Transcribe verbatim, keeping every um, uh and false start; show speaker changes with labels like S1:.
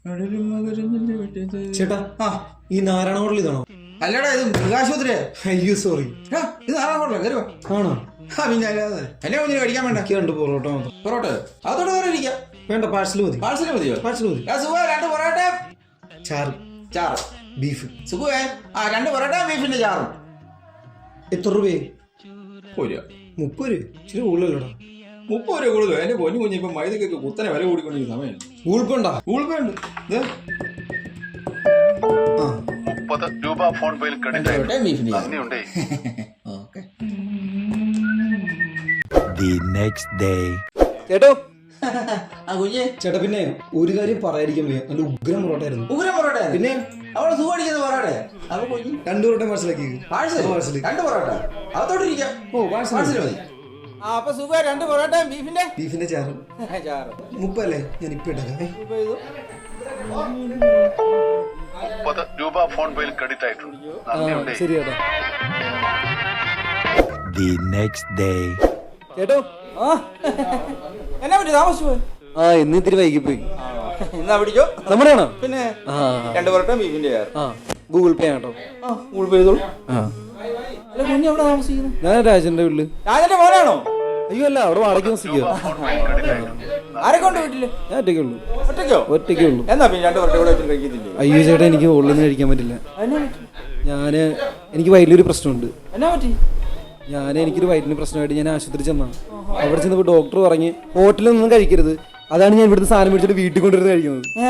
S1: ചേട്ടാ ആ ഈ നാരായണ ഹോട്ടൽ ഇതാണോ?
S2: അല്ലടാ ഇത് മൃഗാശുപത്രിയാ.
S1: അയ്യോ സോറി.
S2: ഇത് നാരായണ ഹോട്ടലാ, കയറുവാ.
S1: ആണോ?
S2: ആ പിന്നെ അല്ലാതെ എന്നെ കുഞ്ഞിന് കഴിക്കാൻ വേണ്ട.
S1: രണ്ട് പൊറോട്ട മാത്രം.
S2: പൊറോട്ട അതോടെ വേറെ ഇരിക്കാം.
S1: വേണ്ട, പാഴ്സൽ മതി.
S2: പാഴ്സൽ മതിയോ?
S1: പാഴ്സൽ മതി.
S2: സുഖം രണ്ട് പൊറോട്ട
S1: ചാറ്
S2: ചാറ്
S1: ബീഫ്.
S2: സുഖമേ ആ രണ്ട് പൊറോട്ട ബീഫിന്റെ ചാറും.
S1: എത്ര രൂപയായി?
S2: മുപ്പത് രൂപ.
S1: മുപ്പത് രൂപ ഇച്ചിരി കൂടുതലല്ലോടാ.
S2: മുപ്പത് രൂപ കൂടുതലോ? എന്റെ പൊന്നു കുഞ്ഞ് ഇപ്പൊ മൈദക്കൊക്കെ കുത്തനെ വില കൂടിക്കൊണ്ടിരിക്കുന്ന സമയം.
S1: ഗൂഗിൾ പേ ഉണ്ടോ?
S2: ഗൂഗിൾ പേ ഉണ്ട്.
S3: മുപ്പത് രൂപ ഫോൺ പേയിൽ ക്രെഡിറ്റ്
S2: ബീഫിന്റെ
S1: ചേട്ടോ
S2: ആ കുഞ്ഞ്
S1: ചേട്ടാ, പിന്നെ ഒരു കാര്യം പറയാതിരിക്കാൻ വയ്യ, നല്ല ഉഗ്രം പൊറോട്ട ആയിരുന്നു.
S2: ഉഗ്രം പൊറോട്ട
S1: പിന്നെ
S2: അവളെ സുഖടിക്കുന്ന പൊറോട്ട. അപ്പൊ കുഞ്ഞ്
S1: രണ്ടു പൊറോട്ട പാഴ്സലാക്കി.
S2: പാഴ്സൽ പാഴ്സൽ രണ്ട് പൊറോട്ട അതോടെ ഇരിക്കാം.
S1: ഓ പാഴ്സൽ
S2: പാഴ്സൽ മതി. ആ അപ്പൊ സുഖ രണ്ട് പൊറോട്ട ബീഫിന്റെ
S1: ബീഫിന്റെ ചാറ്
S2: ചാറ്
S1: മുപ്പല്ലേ? ഞാൻ ഇപ്പൊ ഇട്ടേ.
S3: മുപ്പത് രൂപ ഫോൺ പേയിൽ ക്രെഡിറ്റ് ആയിട്ടുണ്ട്.
S1: ശരി ചേട്ടാ. ചേട്ടോ
S2: എന്നാ പറ്റി താമസിച്ചു പോയി?
S1: ആ ഇന്ന് ഇത്തിരി വൈകിപ്പോയി.
S2: എന്നാ പിടിച്ചോ.
S1: നമ്മുടെയാണോ?
S2: പിന്നെ രണ്ട് പൊറോട്ട ബീഫിന്റെ ചാറ്.
S1: ആ ഗൂഗിൾ പേ ആട്ടോ.
S2: ആ ഗൂഗിൾ പേ ചെയ്തോളൂ. അല്ല കുഞ്ഞ് എവിടെ താമസിക്കുന്നു?
S1: ഞാൻ രാജന്റെ വീട്ടില്.
S2: രാജന്റെ മോനാണോ?
S1: അയ്യോ അല്ല, അവിടെ വാടക താമസിക്കുക.
S2: ആരൊക്കെ ഉണ്ട് വീട്ടില്?
S1: ഞാൻ ഒറ്റയ്ക്കേ ഉള്ളൂ.
S2: ഒറ്റയ്ക്കോ?
S1: ഒറ്റയ്ക്കേ ഉള്ളൂ.
S2: എന്നാ പിന്നെ രണ്ട് പൊറോട്ട കൂടെ കഴിക്കത്തില്ലേ?
S1: അയ്യോ ചേട്ടാ, എനിക്ക് ഉള്ളിൽ നിന്ന് കഴിക്കാൻ പറ്റില്ല.
S2: എന്നാ പറ്റി?
S1: ഞാന് എനിക്ക് വയറ്റിലൊരു പ്രശ്നമുണ്ട്.
S2: എന്നാ പറ്റി?
S1: ഞാൻ എനിക്കൊരു വയറ്റിന് പ്രശ്നമായിട്ട് ഞാൻ ആശുപത്രി ചെന്നാണ്. അവിടെ ചെന്നപ്പോൾ ഡോക്ടർ പറഞ്ഞ് ഹോട്ടലിൽ നിന്നും കഴിക്കരുത്. അതാണ് ഞാൻ ഇവിടുത്തെ സാധനം മേടിച്ചിട്ട് വീട്ടിൽ കൊണ്ടുവരുന്നത് കഴിക്കുന്നത്.